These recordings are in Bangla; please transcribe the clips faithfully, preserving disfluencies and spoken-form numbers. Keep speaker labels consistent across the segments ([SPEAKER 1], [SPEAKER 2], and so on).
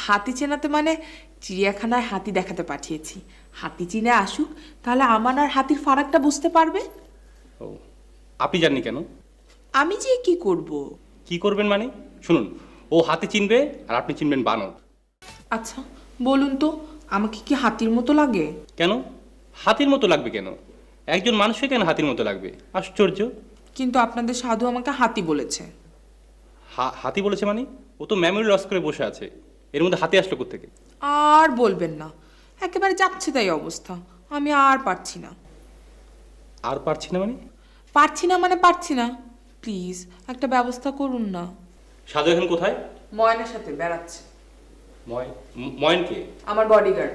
[SPEAKER 1] হাতি চেনাতে মানে চিড়িয়াখানায় হাতি দেখাতে পাঠিয়েছি। হাতি চিনে আসুক, তাহলে আমার আর হাতির ফারাকটা বুঝতে পারবে।
[SPEAKER 2] ও, আপনি জাননি কেন?
[SPEAKER 1] আমি যে কি করব?
[SPEAKER 2] কি করবেন মানে? শুনুন, ও হাতি চিনবে আর আপনি চিনবেন বানর।
[SPEAKER 1] আচ্ছা বলুন তো, আমাকে কি হাতির মতো লাগে?
[SPEAKER 2] কেন হাতির মতো লাগবে কেন? একজন মানুষকে কেন হাতির মতো লাগবে? আশ্চর্য।
[SPEAKER 1] কিন্তু আপনাদের সাধু আমাকে হাতি বলেছে।
[SPEAKER 2] হা- হাতি বলেছে মানে? ও তো মেমোরি লস করে বসে আছে, এর মধ্যে হাতি আসলো কোত্থেকে?
[SPEAKER 1] আর বলবেন না, একেবারে যাচ্ছে তাই অবস্থা। আমি আর পারছি না।
[SPEAKER 2] আর পারছি না মানে?
[SPEAKER 1] পারছি না মানে পারছি না। প্লিজ একটা ব্যবস্থা করুন না।
[SPEAKER 2] সাধু এখন কোথায়?
[SPEAKER 1] ময়নার সাথে বেড়াচ্ছে।
[SPEAKER 2] ময় ম- ময়নকে?
[SPEAKER 1] আমার বডিগার্ড।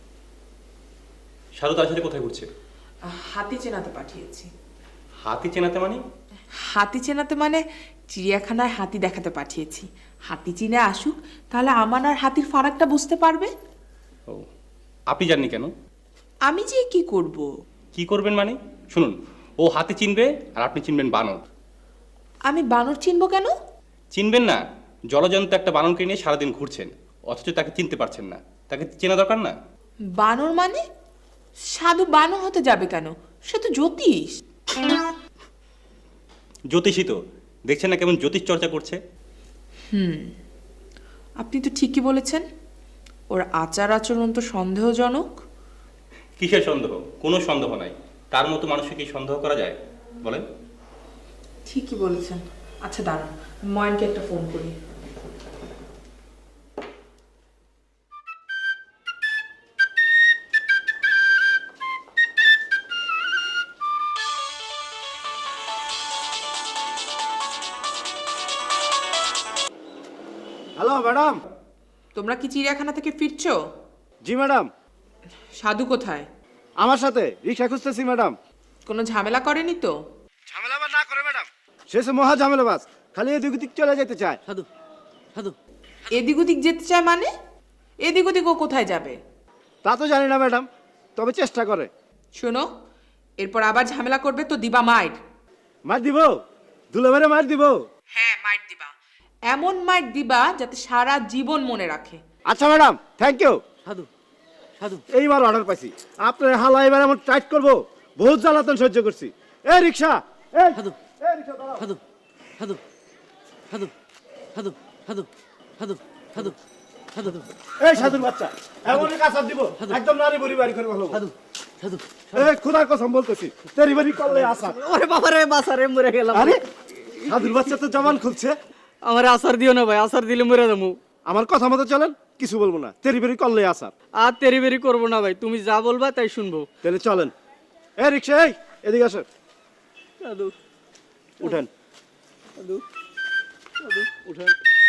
[SPEAKER 2] সাধু তার সাথে কোথায় ঘুরছে?
[SPEAKER 1] হাতি চেনাতে পাঠিয়েছি।
[SPEAKER 2] হাতি চেনাতে মানে?
[SPEAKER 1] হাতি চেনাতে মানে চিড়িয়াখানায় হাতি দেখাতে পাঠিয়েছি। হাতি চিনে আসুক, তাহলে আমার আর হাতির ফারাকটা বুঝতে পারবে।
[SPEAKER 2] ও, আপনি জাননি কেন?
[SPEAKER 1] আমি যে কি করব?
[SPEAKER 2] কি করবেন মানে? শুনুন, ও হাতি চিনবে আর আপনি চিনবেন বানর।
[SPEAKER 1] আমি বানর চিনবো কেন?
[SPEAKER 2] চিনবেন না? জলজন্ত একটা বানরকে নিয়ে সারাদিন ঘুরছেন, অথচ তাকে চিনতে পারছেন না। তাকে চেনা দরকার না?
[SPEAKER 1] বানর মানে? সাধু বানর হতে যাবে কেন? সে তো জ্যোতিষ।
[SPEAKER 2] জ্যোতিষী তো, দেখছেন না কেমন জ্যোতিষ চর্চা করছে?
[SPEAKER 1] আপনি তো ঠিকই বলেছেন। ওর আচার আচরণ তো সন্দেহজনক।
[SPEAKER 2] কিসের সন্দেহ? কোনো সন্দেহ নাই। তার মতো মানুষকে কি সন্দেহ করা যায় বলেন?
[SPEAKER 1] ঠিকই বলেছেন। আচ্ছা দাঁড়ান, ময়নকে একটা ফোন করি।
[SPEAKER 3] Hello madam.
[SPEAKER 1] তোমরা কি চিড়িয়াখানা থেকে ফিরছো?
[SPEAKER 3] জি ম্যাডাম।
[SPEAKER 1] সাধু কোথায়?
[SPEAKER 3] আমার সাথে রিক্সা খুঁজতেছি ম্যাডাম।
[SPEAKER 1] কোনো ঝামেলা করেনি তো?
[SPEAKER 3] ঝামেলা আবার না করে ম্যাডাম, শেষে মহা ঝামেলা বাস, খালি এদিক ওদিক চলে যেতে চায়।
[SPEAKER 4] সাধু সাধু
[SPEAKER 1] এদিক ওদিক যেতে চায় মানে? এদিক ওদিক ও কোথায় যাবে?
[SPEAKER 3] তা তো জানি না ম্যাডাম, তবে চেষ্টা করে।
[SPEAKER 1] শোনো, এরপর আবার ঝামেলা করবে তো দিবা মাইর।
[SPEAKER 3] মার দিব, দুলে মেরে মার দিব।
[SPEAKER 1] হ্যাঁ মাইর দিবা, এমন মাইর দিবা যাতে সারা জীবন মনে রাখে।
[SPEAKER 3] আচ্ছা ম্যাডাম, থ্যাংক ইউ।
[SPEAKER 4] সাধু সাধু
[SPEAKER 3] এইবার অর্ডার পাইছি, আপনার হালা এবার এমন টাইট করবো, বহুত জ্বালাতন সহ্য করছি। এই রিক্সা, এই
[SPEAKER 4] সাধু
[SPEAKER 3] এই রিক্সা দাঁড়াও।
[SPEAKER 4] সাধু সাধু সাধু সাধু সাধু সাধু সাধু সাধু
[SPEAKER 3] এই সাধুর বাচ্চা, এমনই কাঁচার দিব, একদম নারী বুড়ি বাড়ি করে ভালো।
[SPEAKER 4] সাধু সাধু
[SPEAKER 3] এই খুদার কসম বলতেছি, তেরি বাড়ি করলে আসা।
[SPEAKER 4] ওরে বাবা রে, বাসা রে, মরে গেলাম।
[SPEAKER 3] আরে সাধুর বাচ্চা তো জবান খুলছে।
[SPEAKER 4] আমার আসার দিও না ভাই, আসার দিলে মরে যাবো।
[SPEAKER 3] আমার কথা মতো চলেন, কিছু বলবো না, তেরি বেরি করলে আসার।
[SPEAKER 4] আর তেরি বেরি করবো না ভাই, তুমি যা বলবা তাই শুনবো।
[SPEAKER 3] তাহলে চলেন। এই রিক্সা, এই এদিকে আসেন,
[SPEAKER 4] সাধু
[SPEAKER 3] উঠেন
[SPEAKER 4] সাধু
[SPEAKER 3] উঠেন।